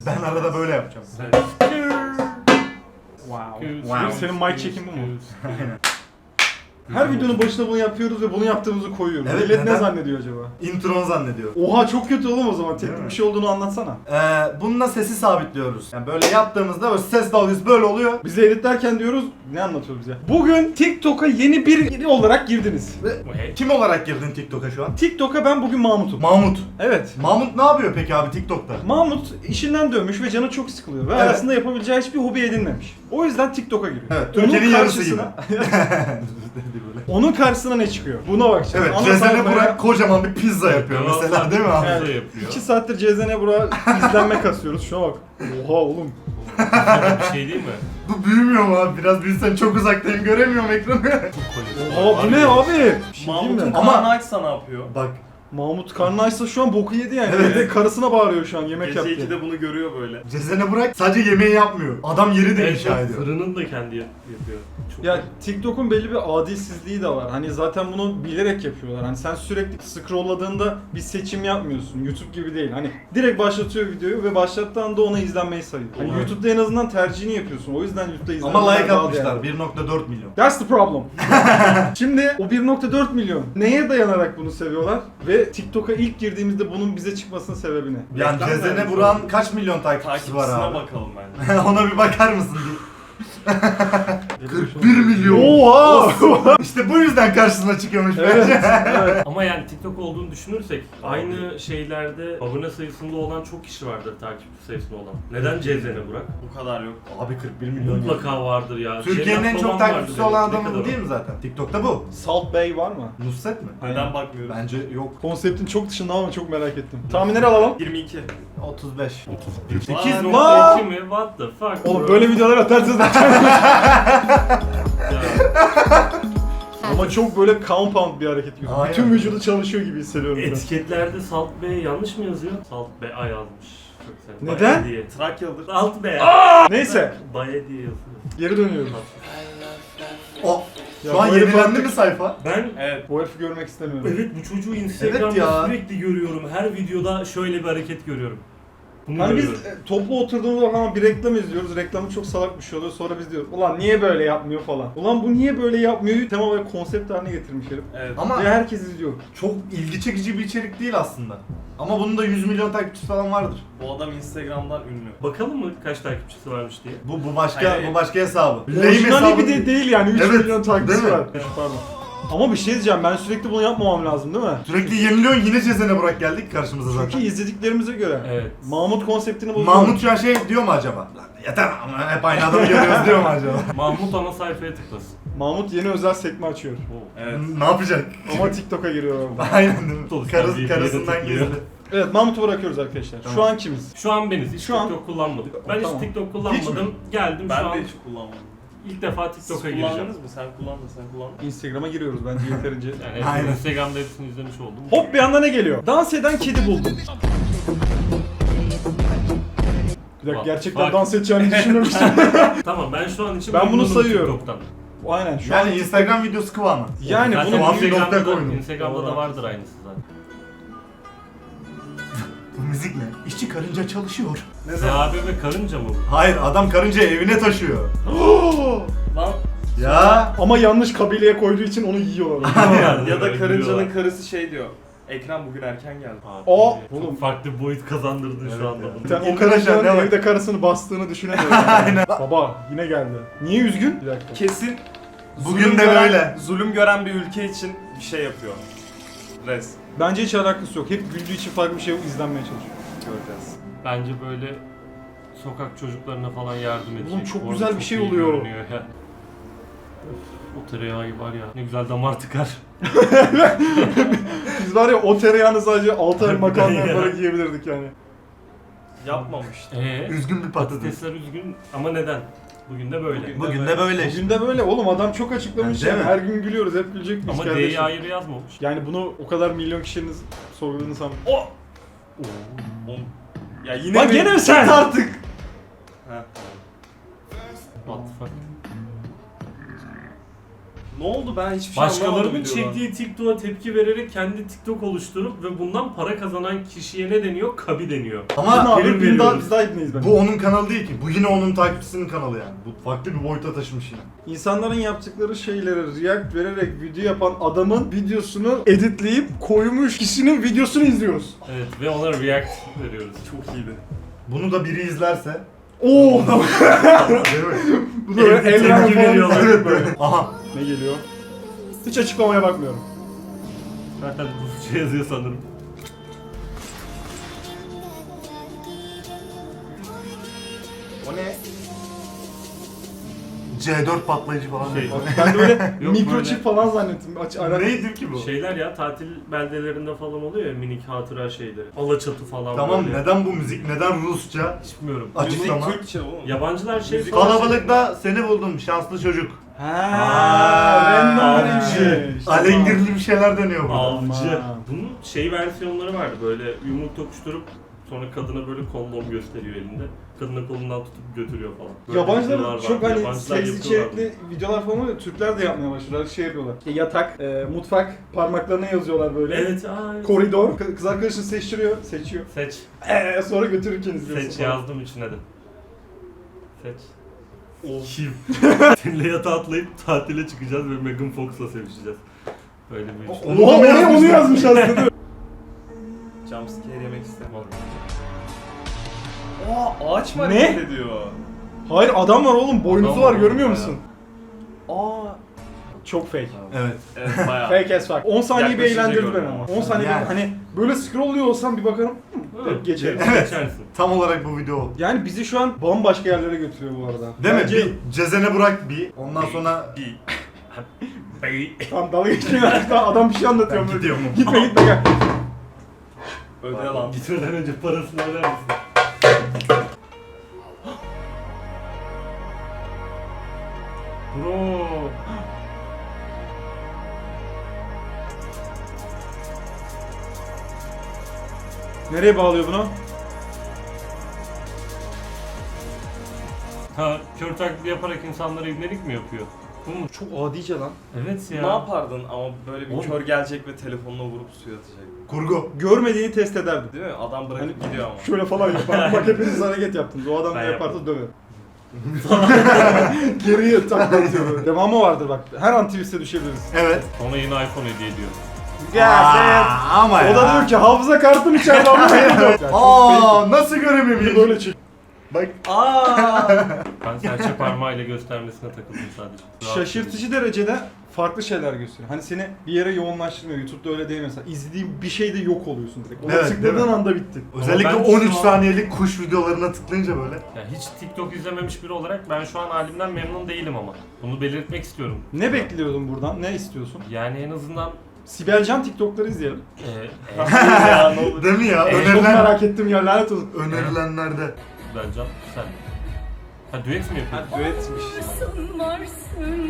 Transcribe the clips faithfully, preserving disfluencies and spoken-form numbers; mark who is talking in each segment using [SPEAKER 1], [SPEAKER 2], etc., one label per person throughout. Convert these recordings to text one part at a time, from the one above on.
[SPEAKER 1] Ben arada böyle yapacağım.
[SPEAKER 2] Wow.
[SPEAKER 1] Wow.
[SPEAKER 2] Senin mic check'in bu mu?
[SPEAKER 1] Aynen.
[SPEAKER 2] Her videonun başında bunu yapıyoruz ve bunu yaptığımızı koyuyoruz.
[SPEAKER 1] Evet,
[SPEAKER 2] Millet
[SPEAKER 1] neden?
[SPEAKER 2] ne zannediyor acaba?
[SPEAKER 1] Intron zannediyor.
[SPEAKER 2] Oha çok kötü oğlum o zaman.
[SPEAKER 1] Değil
[SPEAKER 2] Teknik
[SPEAKER 1] mi?
[SPEAKER 2] bir şey olduğunu anlatsana.
[SPEAKER 1] Ee, bununla sesi sabitliyoruz. Yani böyle yaptığımızda böyle ses dalgası böyle oluyor.
[SPEAKER 2] Biz de editlerken diyoruz, ne anlatıyoruz ya? Bugün TikTok'a yeni biri olarak girdiniz.
[SPEAKER 1] Ve kim olarak girdin TikTok'a şu an?
[SPEAKER 2] TikTok'a ben bugün Mahmut'um.
[SPEAKER 1] Mahmut.
[SPEAKER 2] Evet.
[SPEAKER 1] Mahmut ne yapıyor peki abi TikTok'ta?
[SPEAKER 2] Mahmut işinden dönmüş ve canı çok sıkılıyor ve
[SPEAKER 1] Evet.
[SPEAKER 2] arasında yapabileceği hiçbir hobi edinmemiş. O yüzden TikTok'a giriyor.
[SPEAKER 1] Evet,
[SPEAKER 2] Onun
[SPEAKER 1] Türkiye'nin yarısı gibi.
[SPEAKER 2] karşısına- Onun karşısına ne çıkıyor? Buna bakacağız.
[SPEAKER 1] Evet,
[SPEAKER 2] Ana
[SPEAKER 1] Cezene
[SPEAKER 2] sayfaya-
[SPEAKER 1] Burak kocaman bir pizza yapıyor mesela değil mi abi?
[SPEAKER 2] Evet.
[SPEAKER 3] yapıyor.
[SPEAKER 2] İki saattir Cezene Burak'a izlenme kasıyoruz. Şuna bak. Oha oğlum.
[SPEAKER 3] Bir şey değil mi?
[SPEAKER 1] Bu büyümüyor mu abi? Biraz büyüsen çok uzaktayım göremiyorum ekranı.
[SPEAKER 2] Oha bu ne abi? Bir şey diyeyim
[SPEAKER 4] Mahmut'un
[SPEAKER 2] mi?
[SPEAKER 1] Ama-
[SPEAKER 4] karnı açsa ne yapıyor?
[SPEAKER 1] Bak
[SPEAKER 2] Mahmut karnı açsa şu an boku yedi yani.
[SPEAKER 1] Evet.
[SPEAKER 2] Evde karısına bağırıyor şu an yemek
[SPEAKER 4] Gece
[SPEAKER 2] yaptı.
[SPEAKER 4] ikide bunu görüyor böyle.
[SPEAKER 1] Cezene Burak sadece yemeği yapmıyor. Adam yeri de inşa ediyor.
[SPEAKER 3] Fırının da kendi yap- yapıyor. Çok
[SPEAKER 2] Ya
[SPEAKER 3] iyi.
[SPEAKER 2] TikTok'un belli bir adilsizliği de var. Hani zaten bunu bilerek yapıyorlar. Hani sen sürekli scrollladığında bir seçim yapmıyorsun. YouTube gibi değil. Hani direkt başlatıyor videoyu ve başlattığı anda ona izlenmeyi sayıyor. Hani
[SPEAKER 3] Evet.
[SPEAKER 2] YouTube'da en azından tercihini yapıyorsun. O yüzden YouTube'da izlenmeler
[SPEAKER 1] Ama like
[SPEAKER 2] daha
[SPEAKER 1] atmışlar
[SPEAKER 2] değerli.
[SPEAKER 1] bir nokta dört milyon.
[SPEAKER 2] That's the problem. Şimdi o bir nokta dört milyon neye dayanarak bunu seviyorlar ve TikTok'a ilk girdiğimizde bunun bize çıkmasının sebebi ne?
[SPEAKER 1] Yani
[SPEAKER 4] Reklam
[SPEAKER 1] Cezene
[SPEAKER 4] vermiş
[SPEAKER 1] Burak'ın kaç milyon takipçisi
[SPEAKER 4] Takipçisine
[SPEAKER 1] var abi?
[SPEAKER 4] bakalım bence.
[SPEAKER 1] Ona bir bakar mısın diye. kırk bir milyon.
[SPEAKER 2] Oha!
[SPEAKER 1] İşte bu yüzden karşısına çıkıyormuş
[SPEAKER 2] Evet,
[SPEAKER 1] bence.
[SPEAKER 2] evet.
[SPEAKER 3] Ama yani TikTok olduğunu düşünürsek aynı şeylerde abone sayısında olan çok kişi vardır, takipçi sayısında olan. Neden Cezene Burak?
[SPEAKER 4] Bu kadar yok.
[SPEAKER 1] Abi kırk bir milyon.
[SPEAKER 3] Mutlaka vardır ya.
[SPEAKER 1] Türkiye'nin en
[SPEAKER 3] Cennet
[SPEAKER 1] çok
[SPEAKER 3] Baban vardır
[SPEAKER 1] takipçisi
[SPEAKER 3] demek.
[SPEAKER 1] olan
[SPEAKER 3] Ne
[SPEAKER 1] adamı
[SPEAKER 3] kadar
[SPEAKER 1] bu değil mi zaten? TikTok'ta bu.
[SPEAKER 2] Salt Bay var mı?
[SPEAKER 1] Nusret mi?
[SPEAKER 4] Neden bakmıyoruz?
[SPEAKER 1] Bence yok.
[SPEAKER 2] Konseptin çok dışında ama çok merak ettim. Tahminleri alalım.
[SPEAKER 4] yirmi iki.
[SPEAKER 1] otuz beş.
[SPEAKER 3] sekiz
[SPEAKER 2] Lan!
[SPEAKER 3] nokta iki mi? What the fuck?
[SPEAKER 2] Oğlum
[SPEAKER 3] bro?
[SPEAKER 2] böyle videolar atarsınız.
[SPEAKER 3] Ya,
[SPEAKER 2] Ama çok böyle compound bir hareket gibi.
[SPEAKER 1] Aynen.
[SPEAKER 2] Bütün vücudu çalışıyor gibi hissediyorum biraz.
[SPEAKER 3] etiketlerde Salt B yanlış mı yazıyor? Salt B A yazmış. Çok güzel.
[SPEAKER 2] Neden?
[SPEAKER 3] Baye diye.
[SPEAKER 4] Trakyalıdır.
[SPEAKER 3] Salt B.
[SPEAKER 2] Neyse,
[SPEAKER 3] Baye diye yazıyor.
[SPEAKER 2] geri dönüyoruz.
[SPEAKER 1] O.
[SPEAKER 2] Ya
[SPEAKER 1] Şu an
[SPEAKER 2] bu herif
[SPEAKER 1] yenilendi
[SPEAKER 2] artık-
[SPEAKER 1] mi sayfa?
[SPEAKER 3] Ben
[SPEAKER 4] Evet.
[SPEAKER 2] Bu herifi görmek istemiyorum.
[SPEAKER 3] evet bu çocuğu Instagram'da
[SPEAKER 1] Evet ya.
[SPEAKER 3] sürekli görüyorum. Her videoda şöyle bir hareket görüyorum. Bunu
[SPEAKER 2] Hani biz
[SPEAKER 3] görüyorum.
[SPEAKER 2] e, toplu oturduğumuzda falan bir reklam izliyoruz. Reklamı çok salak bir şey oluyor. Sonra biz diyoruz ulan niye böyle yapmıyor falan. Ulan bu niye böyle yapmıyor? Tema ve konsept haline getirmiş herif.
[SPEAKER 4] Evet.
[SPEAKER 1] Ama
[SPEAKER 2] Ve herkes izliyor.
[SPEAKER 1] çok ilgi çekici bir içerik değil aslında. Ama bunun da yüz milyon takipçisi falan vardır.
[SPEAKER 4] Bu adam Instagram'dan ünlü.
[SPEAKER 3] Bakalım mı kaç takipçisi varmış diye.
[SPEAKER 1] Bu bu başka
[SPEAKER 4] Hayır.
[SPEAKER 1] bu başka hesabı. Lame
[SPEAKER 2] Orijinali
[SPEAKER 1] hesabı
[SPEAKER 2] bir de değil yani. üç
[SPEAKER 1] Evet,
[SPEAKER 2] milyon takipçisi
[SPEAKER 1] değil mi?
[SPEAKER 2] var. Pardon. Ama bir şey diyeceğim. Ben sürekli bunu yapmamam lazım değil mi?
[SPEAKER 1] Sürekli yeniliyorsun yine Cezene Burak geldik karşımıza zaten.
[SPEAKER 2] Çünkü izlediklerimize göre.
[SPEAKER 3] Evet.
[SPEAKER 2] Mahmut konseptini bozuyor.
[SPEAKER 1] Mahmut şu an şey diyor mu acaba? Lan yeter ama hep aynı adamı görüyoruz diyor mu acaba?
[SPEAKER 3] Mahmut ana sayfaya tıklasın.
[SPEAKER 2] Mahmut yeni özel sekme açıyor.
[SPEAKER 3] Oo.
[SPEAKER 4] Evet.
[SPEAKER 1] Ne yapacak?
[SPEAKER 2] Ama TikTok'a giriyor orada.
[SPEAKER 1] Aynen değil mi?
[SPEAKER 3] Sonuçta
[SPEAKER 1] Karıs,
[SPEAKER 3] bir
[SPEAKER 1] karısından
[SPEAKER 3] yere tıklıyor.
[SPEAKER 1] gizli.
[SPEAKER 2] Evet Mahmut'u bırakıyoruz arkadaşlar. Şu
[SPEAKER 1] Tamam.
[SPEAKER 2] an kimiz?
[SPEAKER 3] Şu an beniz. Hiç
[SPEAKER 2] Şu an-
[SPEAKER 3] TikTok kullanmadım. Ben
[SPEAKER 2] Tamam.
[SPEAKER 3] hiç TikTok kullanmadım. Geldim
[SPEAKER 4] Ben
[SPEAKER 3] şu an
[SPEAKER 4] de hiç kullanmadım.
[SPEAKER 3] ilk defa
[SPEAKER 4] Siz
[SPEAKER 3] TikTok'a gireceğim.
[SPEAKER 4] kullandınız mı? Sen kullandın, sen kullandın.
[SPEAKER 2] Instagram'a giriyoruz bence yeterince.
[SPEAKER 3] Yani
[SPEAKER 1] Aynen.
[SPEAKER 3] Instagram'da hepsini izlemiş oldum.
[SPEAKER 2] Hop bir anda ne geliyor? Dans eden kedi buldum. Bir dakika
[SPEAKER 3] Bak,
[SPEAKER 2] gerçekten
[SPEAKER 3] bak.
[SPEAKER 2] dans edeceğini düşünmemiştim.
[SPEAKER 3] Tamam ben şu an için
[SPEAKER 2] Ben bunu
[SPEAKER 3] memnunum
[SPEAKER 2] sayıyorum.
[SPEAKER 3] TikTok'tan.
[SPEAKER 2] Aynen şu an
[SPEAKER 1] Yani Instagram videosu kıvamı.
[SPEAKER 2] yani
[SPEAKER 3] Zaten
[SPEAKER 2] bunu
[SPEAKER 1] Tamam, bir
[SPEAKER 3] Instagram'da,
[SPEAKER 1] nokta koyun.
[SPEAKER 3] da, Instagram'da
[SPEAKER 2] Doğru.
[SPEAKER 3] da vardır aynısı zaten.
[SPEAKER 1] Bu müzik ne? İşçi karınca çalışıyor.
[SPEAKER 4] Ne zaman?
[SPEAKER 3] Sahabe ve karınca mı?
[SPEAKER 1] Hayır adam karıncayı evine taşıyor.
[SPEAKER 4] Lan
[SPEAKER 1] Ya.
[SPEAKER 2] ama yanlış kabileye koyduğu için onu yiyorlar.
[SPEAKER 4] ya da karıncanın karısı şey diyor. Ekrem bugün erken geldi.
[SPEAKER 3] Abi,
[SPEAKER 2] O-
[SPEAKER 3] çok
[SPEAKER 2] oğlum.
[SPEAKER 3] farklı bir boyut kazandırdın
[SPEAKER 1] Evet
[SPEAKER 3] şu anda
[SPEAKER 1] ya.
[SPEAKER 3] bunu.
[SPEAKER 2] Sen o
[SPEAKER 1] Arkadaşlar,
[SPEAKER 2] karıncanın
[SPEAKER 1] ne var?
[SPEAKER 2] evde karısını bastığını düşünemiyorum. Aynen. Baba yine geldi. Niye üzgün? Bir dakika.
[SPEAKER 4] Kesin
[SPEAKER 1] Bugün
[SPEAKER 4] zulüm
[SPEAKER 1] de
[SPEAKER 4] gören-
[SPEAKER 1] böyle.
[SPEAKER 4] Zulüm gören bir ülke için bir şey yapıyor. Res.
[SPEAKER 2] Bence hiç alakası yok. Hep güldüğü için farklı bir şey izlenmeye çalışıyor.
[SPEAKER 4] Göreceğiz.
[SPEAKER 3] Bence böyle sokak çocuklarına falan yardım edecek.
[SPEAKER 2] Oğlum çok
[SPEAKER 3] Orada
[SPEAKER 2] güzel bir
[SPEAKER 3] çok
[SPEAKER 2] şey
[SPEAKER 3] iyi
[SPEAKER 2] oluyor.
[SPEAKER 3] görünüyor ya. O tereyağı var ya ne güzel damar tıkar.
[SPEAKER 2] Biz var ya o tereyağını sadece altı ay
[SPEAKER 3] Harbiden
[SPEAKER 2] makarna
[SPEAKER 3] ya.
[SPEAKER 2] yaparak yiyebilirdik yani.
[SPEAKER 4] Yapmamıştı.
[SPEAKER 3] Eee?
[SPEAKER 1] Üzgün bir patates.
[SPEAKER 3] Patatesler üzgün ama neden? Bugün de böyle.
[SPEAKER 4] Bugün-
[SPEAKER 1] Bugün de böyle işte.
[SPEAKER 2] Bugün de böyle oğlum adam çok açıklamış
[SPEAKER 1] Değil
[SPEAKER 2] yani.
[SPEAKER 1] mi?
[SPEAKER 2] Her gün gülüyoruz hep gülecek miyiz
[SPEAKER 3] Ama
[SPEAKER 2] kardeşim?
[SPEAKER 3] D'yi ayrı yazmamış.
[SPEAKER 2] Yani bunu o kadar milyon kişinin sorguladığını sanmıyorum.
[SPEAKER 4] O. Oğlum. Ya yine
[SPEAKER 2] Bak
[SPEAKER 4] mi?
[SPEAKER 2] gene mi sen?
[SPEAKER 1] artık.
[SPEAKER 4] Ha.
[SPEAKER 3] What the fuck?
[SPEAKER 4] Ne oldu ben hiçbir şey anlamadım
[SPEAKER 3] Başkalarının
[SPEAKER 4] videodan.
[SPEAKER 3] çektiği TikTok'a tepki vererek kendi TikTok oluşturup ve bundan para kazanan kişiye ne deniyor? Kabi deniyor.
[SPEAKER 1] Ama
[SPEAKER 2] Ama
[SPEAKER 3] prim
[SPEAKER 2] abi biz daha,
[SPEAKER 3] veriyoruz.
[SPEAKER 2] biz daha ibneyiz bence.
[SPEAKER 1] bu onun kanalı değil ki. Bu yine onun takipçisinin kanalı yani. Bu farklı bir boyuta taşımış yine.
[SPEAKER 2] İnsanların yaptıkları şeylere react vererek video yapan adamın videosunu editleyip koymuş kişinin videosunu izliyoruz.
[SPEAKER 3] Evet ve ona react veriyoruz.
[SPEAKER 4] Çok iyiydi.
[SPEAKER 1] Bunu da biri izlerse
[SPEAKER 2] Oo!
[SPEAKER 1] değil mi?
[SPEAKER 2] Bu da böyle
[SPEAKER 3] Tepki
[SPEAKER 2] eller falan
[SPEAKER 3] veriyorlar.
[SPEAKER 2] evet böyle.
[SPEAKER 1] Aha.
[SPEAKER 2] Ne geliyor? Hiç açıklamaya bakmıyorum.
[SPEAKER 3] Zaten Rusça yazıyor sanırım.
[SPEAKER 4] O ne?
[SPEAKER 1] C dört patlayıcı falan.
[SPEAKER 3] Şey,
[SPEAKER 2] Ben de böyle
[SPEAKER 3] Yok,
[SPEAKER 2] mikroçip
[SPEAKER 3] böyle-
[SPEAKER 2] falan zannettim. Aç, ara...
[SPEAKER 1] Neydi ki bu?
[SPEAKER 3] Şeyler ya tatil beldelerinde falan oluyor ya minik hatıra şeyleri. Alaçatı falan
[SPEAKER 1] Tamam
[SPEAKER 3] böyle.
[SPEAKER 1] neden bu müzik? Neden Rusça?
[SPEAKER 3] Hiç bilmiyorum.
[SPEAKER 1] Açıklama.
[SPEAKER 4] Müzik Türkçe oğlum.
[SPEAKER 3] Yabancılar şey
[SPEAKER 4] Müzik-
[SPEAKER 3] falan-
[SPEAKER 1] Kalabalıkta seni buldum şanslı çocuk.
[SPEAKER 2] Haa, random'mış.
[SPEAKER 1] Alengirli bir şeyler dönüyor burada.
[SPEAKER 3] Avcı.
[SPEAKER 2] Aman.
[SPEAKER 3] Bunun şey versiyonları vardı böyle yumruk tokuşturup sonra kadına böyle kondom gösteriyor elinde. Kadına kolundan tutup götürüyor falan. Böyle videolar
[SPEAKER 2] Yabancılar
[SPEAKER 3] vardı.
[SPEAKER 2] çok hani
[SPEAKER 3] Yabancılar
[SPEAKER 2] seks
[SPEAKER 3] yapıyorlardı.
[SPEAKER 2] içerikli videolar falan oluyor. Türkler de yapmaya başladılar. Şey yapıyorlar. İşte yatak, e, mutfak parmaklarına yazıyorlar böyle.
[SPEAKER 3] Evet, aa, evet.
[SPEAKER 2] Koridor. Kı- Kız arkadaşını seçtiriyor. Seçiyor.
[SPEAKER 3] Seç.
[SPEAKER 2] Eee sonra götürürken izliyorsun.
[SPEAKER 3] Seç
[SPEAKER 2] falan.
[SPEAKER 3] yazdım içine de. Seç. Kim? Seninle yatağa atlayıp tatile çıkacağız ve Megan Fox'la sevişeceğiz. Böyle bir iş.
[SPEAKER 1] Onu da
[SPEAKER 2] Oha
[SPEAKER 1] mı
[SPEAKER 2] oraya onu
[SPEAKER 1] yazmışlar?
[SPEAKER 2] yazmış aslında.
[SPEAKER 4] Jumpscare yemek istemem. Aa ağaç mı
[SPEAKER 2] Ne?
[SPEAKER 4] hareket ediyor?
[SPEAKER 2] Hayır adam var oğlum. Boynuzu
[SPEAKER 3] Adam
[SPEAKER 2] var
[SPEAKER 3] var
[SPEAKER 2] görmüyor
[SPEAKER 3] bayağı.
[SPEAKER 2] musun? Aa. Çok fake.
[SPEAKER 1] Evet.
[SPEAKER 4] Evet bayağı.
[SPEAKER 2] Fake as fuck. on saniye bir
[SPEAKER 4] Yaklaşınca
[SPEAKER 2] eğlendirdi beni
[SPEAKER 4] gördüm
[SPEAKER 2] ama.
[SPEAKER 4] ama.
[SPEAKER 2] on saniye
[SPEAKER 1] Yani.
[SPEAKER 2] bir hani böyle scrollluyor olsam bir bakarım.
[SPEAKER 3] Hı,
[SPEAKER 2] Hep geçerim.
[SPEAKER 3] Evet. Geçersin.
[SPEAKER 1] Tam olarak bu video oldu.
[SPEAKER 2] Yani bizi şu an bambaşka yerlere götürüyor bu arada.
[SPEAKER 1] Değil mi?
[SPEAKER 2] Bence-
[SPEAKER 1] Bir Cezene Burak bir. Ondan sonra
[SPEAKER 3] Bir. Bey.
[SPEAKER 2] Tamam dalga geçmeyin artık. Adam bir şey anlatıyor.
[SPEAKER 1] Ben
[SPEAKER 2] böyle.
[SPEAKER 1] gidiyorum.
[SPEAKER 2] Gitme gitme gel.
[SPEAKER 4] Öde lan.
[SPEAKER 3] Gitmeden önce parasını öder misin? Bro.
[SPEAKER 2] Nereye bağlıyor bunu?
[SPEAKER 3] Ha, kör taklidi yaparak insanlara ibnelik mi yapıyor? Bu mu?
[SPEAKER 2] Çok adice lan.
[SPEAKER 3] Evet ya.
[SPEAKER 4] Ne yapardın ama böyle bir
[SPEAKER 3] Oğlum.
[SPEAKER 4] kör gelecek ve telefonla vurup suya atacak.
[SPEAKER 1] kurgu.
[SPEAKER 2] Görmediğini test ederdi.
[SPEAKER 4] Değil mi? Adam bırakıp
[SPEAKER 2] Hani
[SPEAKER 4] gidiyor ama.
[SPEAKER 2] Şöyle falan yapar. Bak hepiniz hareket yaptınız. O adam
[SPEAKER 3] Ben
[SPEAKER 2] ne yaparsa
[SPEAKER 3] yapmadım.
[SPEAKER 2] döver. Geriye taklatıyor böyle. Devamı vardır bak. Her an twist'e düşebiliriz.
[SPEAKER 1] Evet.
[SPEAKER 3] Ona yeni iPhone hediye ediyor.
[SPEAKER 1] Aa, ama ya.
[SPEAKER 2] O da diyor ki hafıza kartım içeride ama hayır.
[SPEAKER 1] Aa, nasıl göremeyeyim?
[SPEAKER 2] Böyle çık.
[SPEAKER 1] Bak.
[SPEAKER 4] Aa!
[SPEAKER 3] Ben serçe parmağıyla göstermesine takıldım sadece. Rahatsız
[SPEAKER 2] Şaşırtıcı derecede farklı şeyler gösteriyor. Hani seni bir yere yoğunlaştırmıyor. YouTube'da öyle değil mesela. İzlediğin bir şeyde yok oluyorsun direkt. Ona
[SPEAKER 1] Evet, değil
[SPEAKER 2] tıkladığın
[SPEAKER 1] mi?
[SPEAKER 2] anda bitti.
[SPEAKER 1] Özellikle
[SPEAKER 3] ben
[SPEAKER 1] on üç
[SPEAKER 3] şu an-
[SPEAKER 1] saniyelik kuş videolarına tıklayınca böyle.
[SPEAKER 3] Ya hiç TikTok izlememiş biri olarak ben şu an halimden memnun değilim ama. Bunu belirtmek istiyorum.
[SPEAKER 2] Ne bekliyordun buradan? Ne istiyorsun?
[SPEAKER 3] Yani en azından
[SPEAKER 2] Sibel Can TikTok'ları izleyelim.
[SPEAKER 3] e, e,
[SPEAKER 4] Ya ne olur.
[SPEAKER 1] Değil mi ya?
[SPEAKER 3] Ee,
[SPEAKER 2] Çok
[SPEAKER 1] Önerilen,
[SPEAKER 2] merak ettim ya lanet olsun.
[SPEAKER 1] önerilenlerde.
[SPEAKER 3] Bence sen. Ha düet mi
[SPEAKER 4] Ha
[SPEAKER 3] yapıyorsun?
[SPEAKER 4] düetmiş.
[SPEAKER 5] Varsın varsın.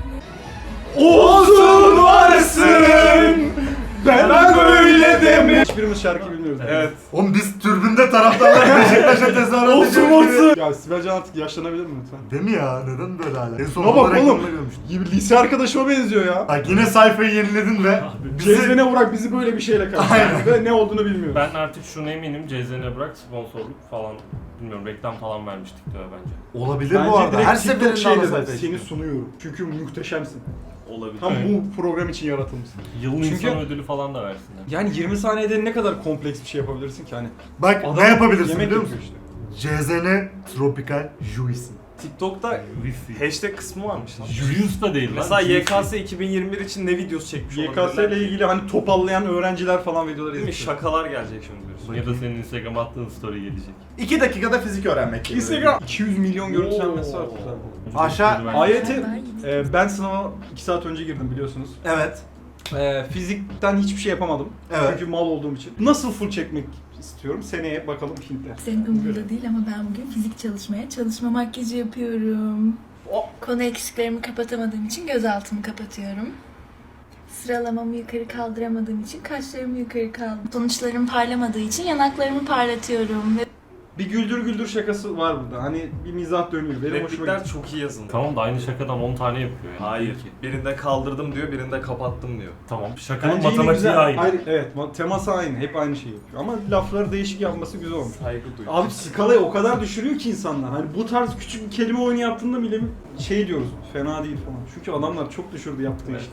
[SPEAKER 2] Olsun varsın. Ben böyle deme. Hiçbirimiz şarkı bilmiyoruz.
[SPEAKER 4] Evet.
[SPEAKER 1] Oğlum biz türbünde taraftarlar Beşiktaş'a tezahürat
[SPEAKER 2] Olsun
[SPEAKER 1] ediyoruz diye.
[SPEAKER 2] olsun. Ya Sibel Can artık yaşlanabilir mi lütfen?
[SPEAKER 1] Değil mi ya? Neden böyle hala? En son
[SPEAKER 2] Buna bak
[SPEAKER 1] olarak
[SPEAKER 2] oğlum.
[SPEAKER 1] reklamda görmüştüm.
[SPEAKER 2] Gibi lise arkadaşıma benziyor ya.
[SPEAKER 1] Bak yine sayfayı yeniledin ve
[SPEAKER 3] Abi,
[SPEAKER 1] bizi...
[SPEAKER 2] Cezvene Burak bizi böyle bir şeyle karşıladı ve ne olduğunu bilmiyoruz.
[SPEAKER 3] Ben artık şuna eminim Cezene bırak sponsorluk falan bilmiyorum reklam falan vermiş TikTok'a bence.
[SPEAKER 1] Olabilir
[SPEAKER 2] Bence
[SPEAKER 1] bu arada.
[SPEAKER 2] direkt
[SPEAKER 1] Her
[SPEAKER 2] TikTok
[SPEAKER 1] seferinde
[SPEAKER 2] şey
[SPEAKER 1] ana
[SPEAKER 2] dedi,
[SPEAKER 1] sayfaya
[SPEAKER 2] seni
[SPEAKER 1] çıkıyor.
[SPEAKER 2] sunuyorum. Çünkü muhteşemsin.
[SPEAKER 4] Olabilir.
[SPEAKER 2] Tam
[SPEAKER 3] Evet.
[SPEAKER 2] bu program için yaratılmışsın.
[SPEAKER 3] Yılın
[SPEAKER 2] Çünkü-
[SPEAKER 3] insan ödülü falan da versinler.
[SPEAKER 2] Yani yirmi saniyede ne kadar kompleks bir şey yapabilirsin ki hani.
[SPEAKER 1] Bak
[SPEAKER 2] Adam
[SPEAKER 1] ne yapabilirsin
[SPEAKER 2] yemek
[SPEAKER 1] biliyor musun?
[SPEAKER 2] yapıyor işte.
[SPEAKER 1] C Z N Tropical Juicy.
[SPEAKER 4] TikTok'ta
[SPEAKER 3] Wifi.
[SPEAKER 4] hashtag kısmı varmış lan.
[SPEAKER 3] Julius da değil lan.
[SPEAKER 4] Mesela
[SPEAKER 3] Juicy.
[SPEAKER 4] Y K S iki bin yirmi bir için ne videosu çekmiş
[SPEAKER 2] Y K
[SPEAKER 4] olabilirler
[SPEAKER 2] S ile
[SPEAKER 4] ki?
[SPEAKER 2] ilgili hani topallayan öğrenciler falan videolar
[SPEAKER 4] Değil mi?
[SPEAKER 2] izliyor.
[SPEAKER 4] Şakalar gelecek şimdi diyorsun.
[SPEAKER 3] Ya da senin Instagram attığın story gelecek.
[SPEAKER 1] iki dakikada fizik öğrenmek gibi.
[SPEAKER 2] Instagram iki yüz milyon görüntülenmesi var.
[SPEAKER 4] Oo.
[SPEAKER 2] total.
[SPEAKER 1] Aşağı-
[SPEAKER 2] A Y T, e, ben sınava iki saat önce girdim biliyorsunuz.
[SPEAKER 1] Evet.
[SPEAKER 2] E, fizikten hiçbir şey yapamadım.
[SPEAKER 1] Evet.
[SPEAKER 2] Çünkü mal olduğum için. Nasıl full çekmek istiyorum? Seneye bakalım Hintler.
[SPEAKER 5] Senin umurunda değil ama ben bugün fizik çalışmaya çalışma makyajı yapıyorum. Konu eksiklerimi kapatamadığım için gözaltımı kapatıyorum. Sıralamamı yukarı kaldıramadığım için kaşlarımı yukarı kaldım. Sonuçlarım parlamadığı için yanaklarımı parlatıyorum. Ve
[SPEAKER 2] bir güldür güldür şakası var burada. Hani bir mizah dönüyor. Benim hoşuma
[SPEAKER 4] Replikler
[SPEAKER 2] gitti.
[SPEAKER 4] çok iyi yazılmış.
[SPEAKER 3] Tamam da aynı şakadan on tane yapıyor yani.
[SPEAKER 4] Hayır.
[SPEAKER 3] Ki.
[SPEAKER 4] Birinde kaldırdım diyor, birinde kapattım diyor.
[SPEAKER 3] Tamam. Şakanın
[SPEAKER 2] Bence yine
[SPEAKER 3] matematiği
[SPEAKER 2] güzel.
[SPEAKER 3] aynı.
[SPEAKER 2] Hayır, evet, ma- teması aynı. Hep aynı şeyi yapıyor. Ama lafları değişik yapması güzel olmuş.
[SPEAKER 4] Saygı duyuyor.
[SPEAKER 2] Abi skalayı o kadar düşürüyor ki insanlar. Hani bu tarz küçük bir kelime oyunu yaptığında bile şey diyoruz. Fena değil falan. Çünkü adamlar çok düşürdü yaptığı
[SPEAKER 3] Evet.
[SPEAKER 2] işte.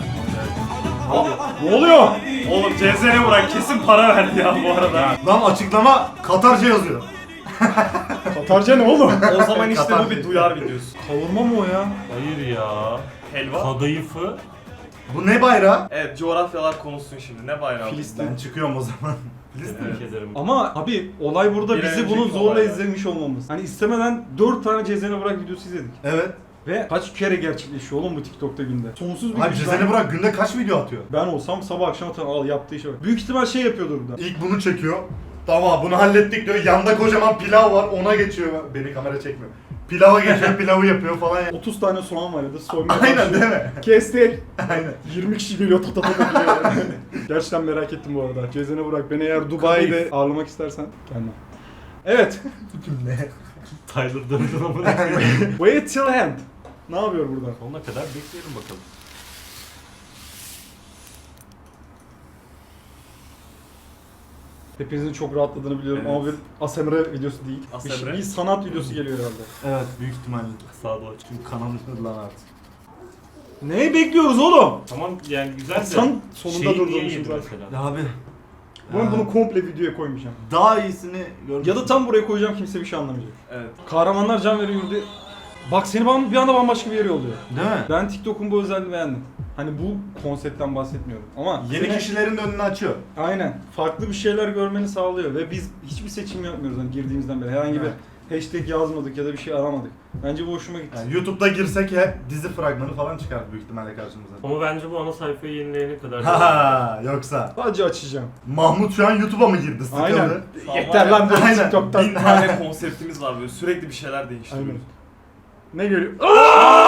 [SPEAKER 2] Ne oluyor?
[SPEAKER 4] Oğlum C Z N'e bırak, kesin para verdi ya bu arada.
[SPEAKER 1] Lan açıklama Katarca yazıyor.
[SPEAKER 2] Katarca ne oğlum?
[SPEAKER 4] O zaman işte
[SPEAKER 1] Katar.
[SPEAKER 4] bu bir duyar videosu.
[SPEAKER 2] Kavurma mı o ya?
[SPEAKER 3] Hayır ya.
[SPEAKER 4] Helva.
[SPEAKER 3] Kadayıfı.
[SPEAKER 1] Bu ne bayrağı?
[SPEAKER 4] Evet, coğrafyalar konuşsun şimdi. Ne bayrağı?
[SPEAKER 2] Filistin.
[SPEAKER 1] Ben çıkıyorum o zaman.
[SPEAKER 3] Tebrik ederim.
[SPEAKER 2] Ama abi olay burada
[SPEAKER 4] Bir
[SPEAKER 2] bizi
[SPEAKER 4] önceki
[SPEAKER 2] bunu zorla
[SPEAKER 4] olaylar.
[SPEAKER 2] izlemiş olmamız. Hani istemeden dört tane Cezene Bırak videosu izledik.
[SPEAKER 1] Evet.
[SPEAKER 2] Ve kaç kere gerçekleşiyor oğlum bu TikTok'ta günde? Sonsuz bir
[SPEAKER 1] Abi
[SPEAKER 2] güç
[SPEAKER 1] Cezene
[SPEAKER 2] var.
[SPEAKER 1] Burak günde kaç video atıyor?
[SPEAKER 2] Ben olsam sabah akşam atarım. Al yaptığı işe bak. Büyük ihtimal şey yapıyordur burada.
[SPEAKER 1] İlk bunu çekiyor. Tamam bunu hallettik diyor. Yanda kocaman pilav var ona geçiyor. Beni kamera çekmiyor. Pilava geçiyor pilavı yapıyor falan ya.
[SPEAKER 2] otuz tane soğan var ya da soymaya
[SPEAKER 1] Aynen
[SPEAKER 2] başlıyor.
[SPEAKER 1] değil mi?
[SPEAKER 2] Kestik.
[SPEAKER 1] Aynen.
[SPEAKER 2] yirmi kişi geliyor ta ta ta ta geliyor. Gerçekten merak ettim bu arada. Cezene Bırak beni eğer Dubai'de
[SPEAKER 3] Kadayıf.
[SPEAKER 2] ağırlamak istersen gelme. Evet.
[SPEAKER 1] Ne?
[SPEAKER 3] Tyler Durden ama.
[SPEAKER 2] Wait till end. Ne yapıyor burada?
[SPEAKER 3] Sonuna kadar bekleyelim bakalım.
[SPEAKER 2] Hepinizin çok rahatladığını biliyorum
[SPEAKER 4] Evet.
[SPEAKER 2] ama bir A S M R videosu değil. Bir,
[SPEAKER 4] A S M R?
[SPEAKER 2] bir sanat videosu geliyor herhalde.
[SPEAKER 1] Evet büyük ihtimalle.
[SPEAKER 3] Sağa doğru.
[SPEAKER 1] Çünkü kanal üstüne lan artık.
[SPEAKER 2] Neyi bekliyoruz oğlum?
[SPEAKER 3] Tamam yani güzel de.
[SPEAKER 2] Sen sonunda
[SPEAKER 3] şeyi niye
[SPEAKER 2] durdurmuşum
[SPEAKER 3] yedi
[SPEAKER 2] zaten.
[SPEAKER 3] mesela?
[SPEAKER 1] Ya abi.
[SPEAKER 2] Ben
[SPEAKER 1] Ha,
[SPEAKER 2] bunu komple videoya koymayacağım.
[SPEAKER 1] daha iyisini görmüştüm.
[SPEAKER 2] Ya da tam buraya koyacağım kimse bir şey anlamayacak.
[SPEAKER 4] Evet.
[SPEAKER 2] Kahramanlar can veriyor yurdu. Bak seni bam- bir anda bambaşka bir yere yolluyor.
[SPEAKER 1] Değil mi?
[SPEAKER 2] Ben TikTok'un bu özelliğini beğendim. Hani bu konseptten bahsetmiyorum ama
[SPEAKER 1] Yeni
[SPEAKER 2] seni-
[SPEAKER 1] kişilerin de önünü açıyor.
[SPEAKER 2] aynen farklı bir şeyler görmeni sağlıyor ve biz hiçbir seçim yapmıyoruz hani girdiğimizden beri. Herhangi
[SPEAKER 1] Evet.
[SPEAKER 2] bir hashtag yazmadık ya da bir şey aramadık. Bence bu hoşuma gitti.
[SPEAKER 1] Yani YouTube'da girsek hep dizi fragmanı falan çıkar büyük ihtimalle karşımıza.
[SPEAKER 3] Ama bence bu ana sayfayı yenileyene kadar.
[SPEAKER 1] Ha yoksa
[SPEAKER 2] Sadece açacağım.
[SPEAKER 1] Mahmut şu an YouTube'a mı girdi? Sıkıldı.
[SPEAKER 2] Aynen.
[SPEAKER 4] Tamam,
[SPEAKER 2] Yeter
[SPEAKER 4] var
[SPEAKER 2] lan
[SPEAKER 4] ya,
[SPEAKER 2] böyle
[SPEAKER 1] Aynen.
[SPEAKER 2] TikTok'tan.
[SPEAKER 4] Bin tane konseptimiz var böyle, sürekli bir şeyler değiştiriyoruz.
[SPEAKER 2] Aynen. Ne görüyor?